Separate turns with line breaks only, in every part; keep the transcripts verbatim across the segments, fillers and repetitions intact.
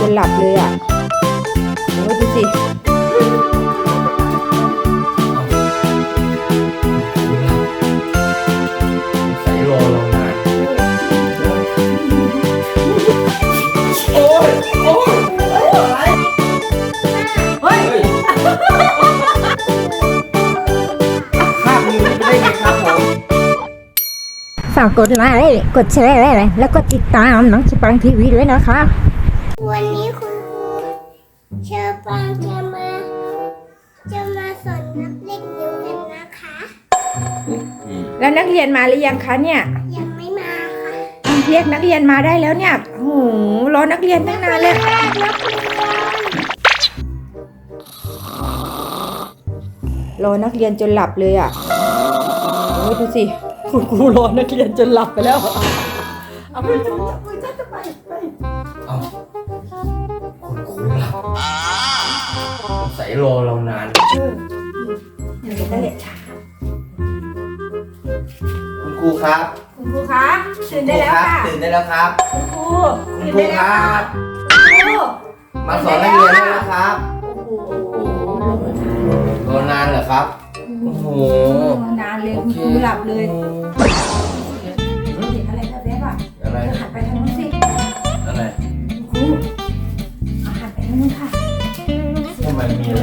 นหลับเลยอ่ะโอ้ยดูสิ
ใส่รอเรานานโอ้ยโอ้ยอะไรเฮ้ยข้ามนิ้วไปได้ไงครับผม
ฝากกดไลค์กดแชร์แล้วก็ติดตามน้องสปังทีวีด้วยนะคะ
วันนี้คุณครูเชอร์ปังจะมาจะมาสอนนับเลขนิ้วกันนะคะ
แล้วนักเรียนมาหรือยังคะเนี่ย
ยังไม่มาค่ะ
เรียกนักเรียนมาได้แล้วเนี่ยโอ้โหรอนักเรียนตั้งนานเลย
แรกนับเรียน
รอนักเรียนจนหลับเลยอ่ะโอ้ยดูสิคุณครูรอนักเรียนจนหลับไปแล้วเอาไปจ้าไปจ้าจะไปไป
เอาคุณครูหลับใส่รอเรานาน
เดี๋ยวนั่นแหละช้า
คุณครูครับ
คุณครูคะตื่นได้แล้วค่ะ
ตื่นได้แล้วครับ
คุณครู
คุณ
ตื่น
ครู
ได้
ค
แล้ว
รั
ค่ะ
บ
คุณครู
มาสอนนักเรียนได้แล้วครับ
โอ้โห
รอนานเหรอครับโอ้โห
นานเลยคุณครูหลับเลยเห็นอะไรแบบนี้ป่ะ
อะไร
เธอหันไปทางนู้นสิ
อะไร
คุณครูเอาหันไปทางนู้นค่ะ
ทำไมมีอะไร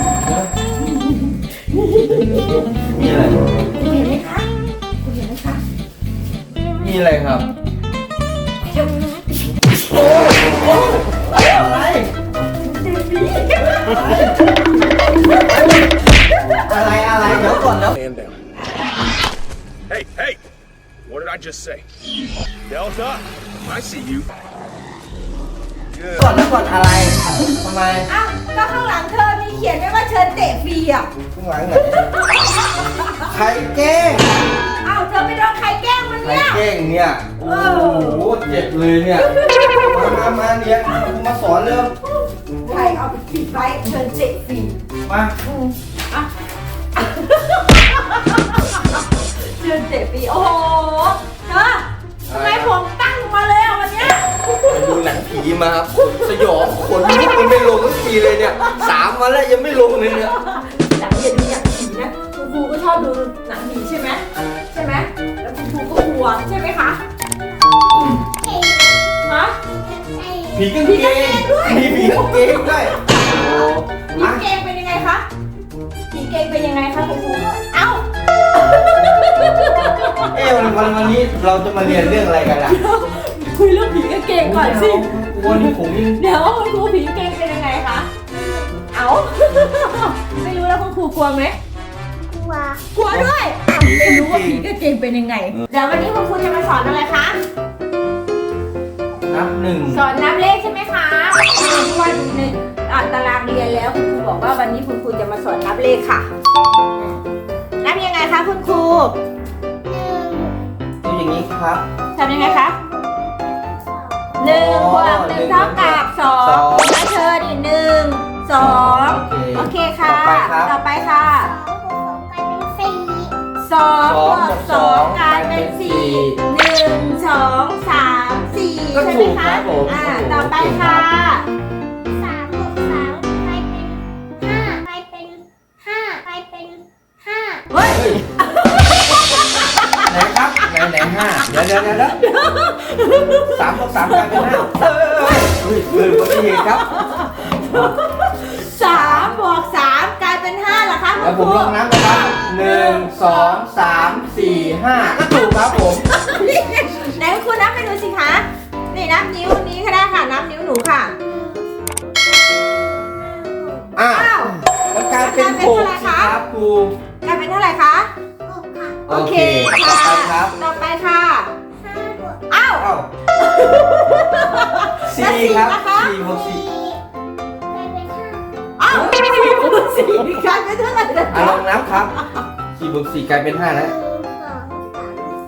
มีอะไร
คุณเห็นไหมคะคุณเห็นไหมคะ
มีอะไรครับ อะไรอะไรอะไรเดี๋ยวก่อนแล้ว
Stand down. Hey, hey! What did I just say? Delta, I see you.
ก่อนแล้วก่อนอะไรทำไม
อ้าวก็ข้างหลังเธอมีเขียนไว้ว่าเชิญเตะฟรีอ่ะ
ข้างหลังไหนใครแกล้ง
อ้าวเธอไปโดนใครแกล้งมัน
ใคร
เนี่ย
แกล้งเนี่ย โอ้โหเจ็บเลยเนี่ย มามามาเรียนมาสอนเร็ว
ใครเอาไปปิดไว้เชิญเตะฟรี
มา
อ่ะเชิญเตะฟรีโอ้โหเธอทำไมผมตั้งมาเลยอ่ะวันเนี้ย
ไปดูหนังผีมาครับสยองขนลุกมันไม่ลงสักทีเลยเนี่ยสามวันแล้วยังไม่ลงเลยเนี่ย
หนังอย่าดูหนังผีนะคุณครูก็ชอบดูหนังผีใช่ไหมใช่ไหมแล้วคุณครูก็กลัวใช่ไหมคะ
เอ้ย
ฮะ
เอ้ย
ผีกางเกงมีผีกางเกงด้วยโอ้
ผี
อ่ะ
เกงเป็นยังไงคะผีเกงเป็นยังไงคะคุณครูเอ้า
เอ๊ะวันวันวันนี้เราจะมาเรียนเรื่องอะไรกันล่ะ
คุยเรื่องผีกางเกงก่อนสิ
วันนี้ผมยัง
เดี๋ยวคุณครูผีกางเกงเป็นยังไงคะเอ้า ไม่รู้แล้วคุณครูกลัวไหม
กลัว
กลัวด้วยไม่รู้ว่าผีกางเกงเป็นยังไงเดี๋ยววันนี้คุณครูจะมาสอนอะไรคะ
นับหนึ่ง
สอนนับเลขใช่ไหมคะเพราะว่าดูในอ่านตารางเรียนแล้วคุณครูบอกว่าวันนี้คุณครูจะมาสอนนับเลขค่ะ นับยังไงคะคุณครู
หนึ่ง
ดูอย่างนี้ครับ
ทำยังไงคะหนึ่งบวกหนึ่งเท่ากับสองนะเธอนี่หนึ่งสองโอเคค่ะ ต่อไปค่ะ
สองบวกสองกลายเป็นสี่
สองบวกสองกลายเป็นสี่หนึ่งสองสามสี่ใช่ไหมคะอ่าต่อไปค่ะ
สามบวกสามกลายเป็นห้ากลายเป็นห้ากลายเป็นห้า
เฮ้ย
เฮ้ยไหนครับไหนไหนห้าเดี๋ยวเดี๋ยวเดี๋ยวเดี๋ยวสามบวกสามกลายเป็นห้าเฮ้ยเฮ้ยเกิดอุบัติเหตุครับ
สามบวกสามกลายเป็นห้าเหรอคะ
แล้วผมลองนับนะครับหนึ่งสองสามสี่ห้าก็ถูกครับผม
ไหนคุณนับให้ดูสิคะนี่นับนิ้วนี้ก็ได้ค่ะนับนิ้วหนูค่ะ
อ้าว
อ้าว
มันกลายเป็นหกสิครับครู
กลายเป็นเท่าไหร่คะ
หกค่ะ
โอเค
ต่อ
ค่ะ
ไปครับ
ต่อไปค่ะ
ห้าบวก
อ้าว
อ้าวสี่ครับสี่บวกสี่
สี่กลายเป็นห้า
อ้าวสี่บวกสี่กลายเป็นเท่าไหร่นะ
อ่ะลองนับครับสี่บวกสี่กลายเป็นห้า
ห
แล้
นึ่
ว
งสองสามสี่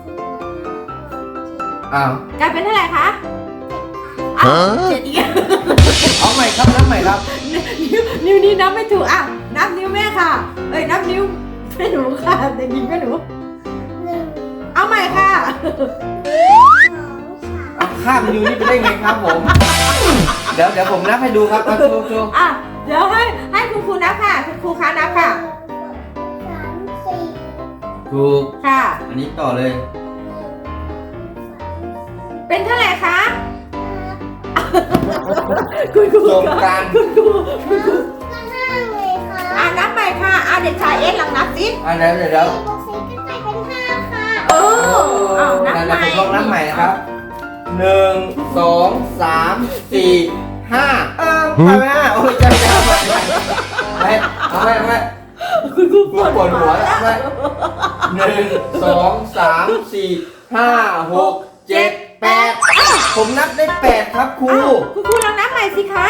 ห้า
อ้าว
กลายเป็นเท่าไหร่คะอ้าวเจ็ดอีก
เอาใหม่ครับนับใหม่ครับ
นิ้วนิ้วนี้นับไม่ถูกอ้าวนับนิ้วแม่ค่ะเอ้ยนับนิ้วแม่หนูค่ะแต่นิ้วแม่หนู
หนึ่ง
เอาใหม่ค่ะ
สองสาม
เอาข้ามนิ้วนี่ไปได้ไงครับผมเดี๋ยวเดี๋ยวผมนับให้ดูครับมาดูดู
อ่ะเดี๋ยวให้ให้คุณครูนับค่ะคุณครูคะนับค่ะ
สามสี่
ถูก
ค่ะ
อันนี้ต่อเลย
เป็นเท่าไหร่คะคุณครู
ตรงกลาง
คุณครูคุณครู
ก็ห้าเลยค่ะ
อ่ะนับใหม่ค่ะอ่ะเด็กชายเอ็กซ์ลองนับสิ
อันนี้เดี๋ยวเดี๋ยว
บวกสี่ก็กลายเป็นห้าค่ะ
เออเอานับ
นั่น
ให
นะ
ม่
ผมลองนับใหม่นะครับหนึ่งสองสามสี่ห้าเออไปไหมโอ้ยใจใจไปไปเอาไปเอาไป
คุณครู
ปวดปวดหัวแล้วไปหนึ่งสองสามสี่ห้าหกเจ็ดแปดผมนับได้แปดครับครู
อ้าวคุณครูลองนับใหม่สิคะ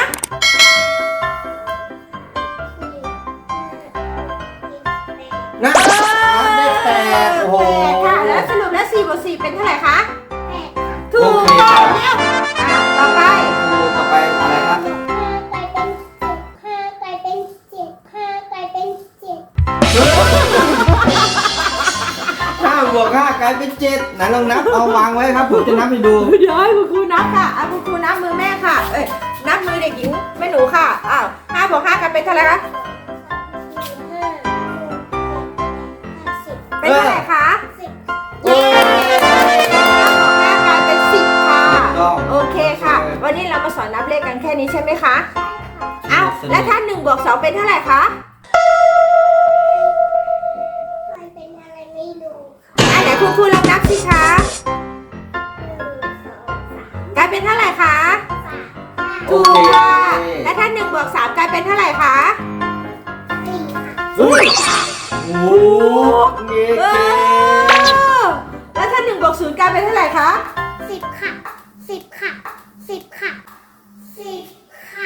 นับนับได้แปดโอ้โห
แปดค่ะแล้วสรุปแล้วสี่บวกสี่เป็นเท่าไหร่คะ
แปดค่ะ
ถูก
โอเค
ต้
ครั
อบ งแล้วอ่ะต่อไป
ครูต่อไปอะไรครับ
ห้ากลายเป็นสิบห้ากลายเป็นเจ็ดห้ากลายเป็นเจ็ด
ห้าบวกห้ากลายเป็นเจ็ดไหนลองนับเอาวางไว้ครับผมจะนับให้ดู
เดี๋ยวให้คุณครูนับค่ะอ่ะคุณครูนับมือแม่ค่ะ เอ้ยนับมือเด็กหญิงแม่หนูค่ะ อ้าวห้าบวกห้ากลายเป็นเท่าไหร่คะ
สี่ห้าหกสิบ
เป็นเท่าไหร่คะ
สิบ
เย้ห้าบวกห้ากลายเป็นสิบค่ะ
ถูกต้อง
โอเคค่ะ วันนี้เรามาสอนนับเลขกันแค่นี้ใช่ไหมคะ
ใช่ค่ะ
อ้าวแล้วถ้าหนึ่งบวกสองเป็นเท่าไหร่คะ
กลายเป็นอะไรไม่รู้ค่ะ
อ่ะเดี๋ยวคุณครูลองนับสิคะ
หนึ่งสองสาม
กลายเป็นเท่าไหร่คะ
สามห้า
โอ
ถูก
เค
ค่ะ แล้วถ้าหนึ่งบวกสามกลายเป็นเท่าไหร่คะ
สี่ค่ะ
อุ้ยโอ้โหเก่
เอง อแล้วถ้าหนึ่งบวกศูนย์กลายเป็นเท่าไหร่คะ
สิบค่ะสิบค่ะสิบค่ะสิบค่ะ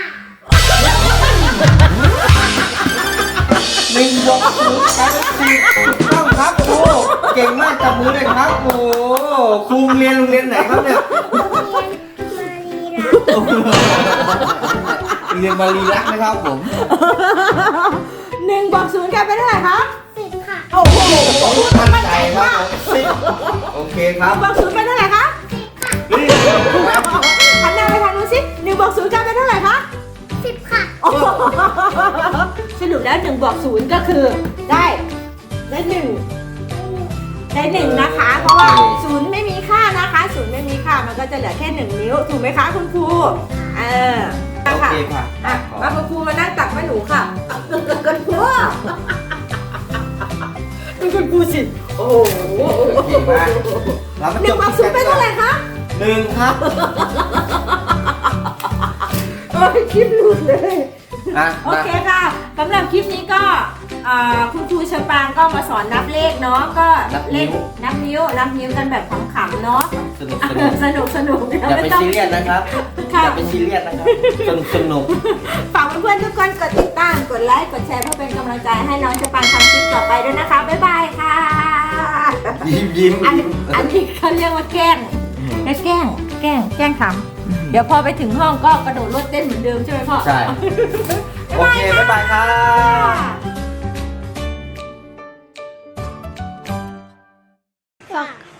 หนึ่งบวกศูนย์กลายเป็นสิบถูกต้องครับครูเก่งมากจับมือเลยครับโอ้โหครูเรียนโรงเรียนไหนครับเนี่ย
เรียนมารีรัก
เรียนมารีรักนะครับผม
หนึ่งบวกศูนย์กลายเป็นเท่าไหร่คะ
สิบค่ะ
โอ้โห
มั่นใจครับผมสิบโอเคครับ
บวกศูนย์เป็นเท่าไหร่คะ
นี่
หันหน้าไปทางนู้นสิหนึ่งบวกศูนย์กลายเป็นเท่าไหร่คะ
สิบค่ะ
โอ้โหสรุปแล้วหนึ่งบวกศูนย์ก็คือได้ได้หนึ่งได้หนึ่งนะคะ เพราะว่าศูนย์ไม่มีค่านะคะศูนย์ไม่มีค่ามันก็จะเหลือแค่หนึ่งนิ้วถูกไหมคะคุณครูเออ
โอ
ค่ะ
เคค่ะ
อ่ะมาคุณครูมานั่งตักแม่หนูค่ะคุณครูดูคุณครูสิโอ้โห
เก่งมากเรามา
ห
จ
นึ่ง
บบ
วกศูนย์เป็นเท่าไหร่คะ
หนึ่งครับ
โอ้ยคลิปหลุดเลย
อ่ะ
โอ
มา
เคค่ะสำหรับคลิปนี้ก็อ่าคุณครูเชอปรางก็มาสอนนับเลขเนาะก็เลขนับนิ้วนับนิ้วกันแบบขำๆเนาะ
สนุกสนุก
สนุกสนุก
อย่าไปซีเรียสนะครับ
ค่ะ
อย่าไปซีเรียสนะครับ สนุกสนุก
ฝากเพื่อนๆทุกคนกดติดตามกดไลค์กดแชร์เพื่อเป็นกำลังใจให้น้องเชอปรางทำคลิปต่อไปด้วยนะคะบ๊ายบายค่ะ
ยิ้มยิ้ม
อันอันนี้เขาเรียกว่าแกล้งแกล้งแกล้งแกล้งทำเดี๋ยวพอไปถึงห้องก็กระโดดรถเต้นเหมือนเดิมใช่ไหมพ่อ
ใช่ โอเค บ๊ายบายครับ
ค่ะ
ฝาก